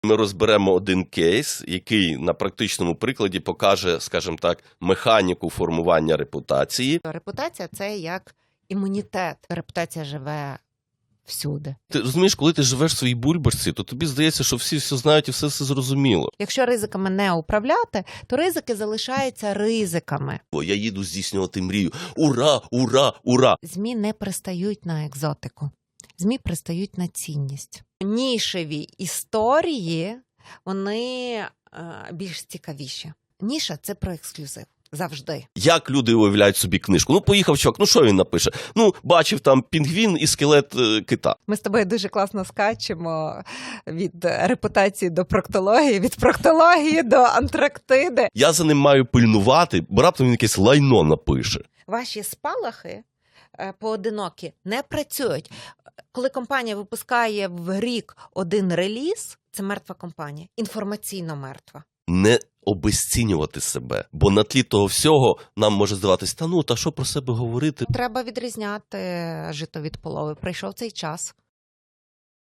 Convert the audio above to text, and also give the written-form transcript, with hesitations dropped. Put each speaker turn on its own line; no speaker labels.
Ми розберемо один кейс, який на практичному прикладі покаже, скажімо так, механіку формування репутації.
Репутація – це як імунітет. Репутація живе всюди.
Ти розумієш, коли ти живеш в своїй бульбашці, то тобі здається, що всі все знають і все зрозуміло.
Якщо ризиками не управляти, то ризики залишаються ризиками.
Бо я їду здійснювати мрію. Ура, ура, ура!
ЗМІ не пристають на екзотику. ЗМІ пристають на цінність. Нішеві історії, вони більш цікавіші. Ніша – це про ексклюзив. Завжди.
Як люди уявляють собі книжку? Ну, поїхав чувак, ну що він напише? Ну, бачив там пінгвін і скелет кита.
Ми з тобою дуже класно скачемо від репутації до проктології, від проктології до Антарктиди.
Я за ним маю пильнувати, бо раптом він якесь лайно напише.
Ваші спалахи поодинокі не працюють. Коли компанія випускає в рік один реліз, це мертва компанія, інформаційно мертва.
Не обезцінювати себе, бо на тлі того всього нам може здаватись, та що про себе говорити?
Треба відрізняти жито від полови. Прийшов цей час.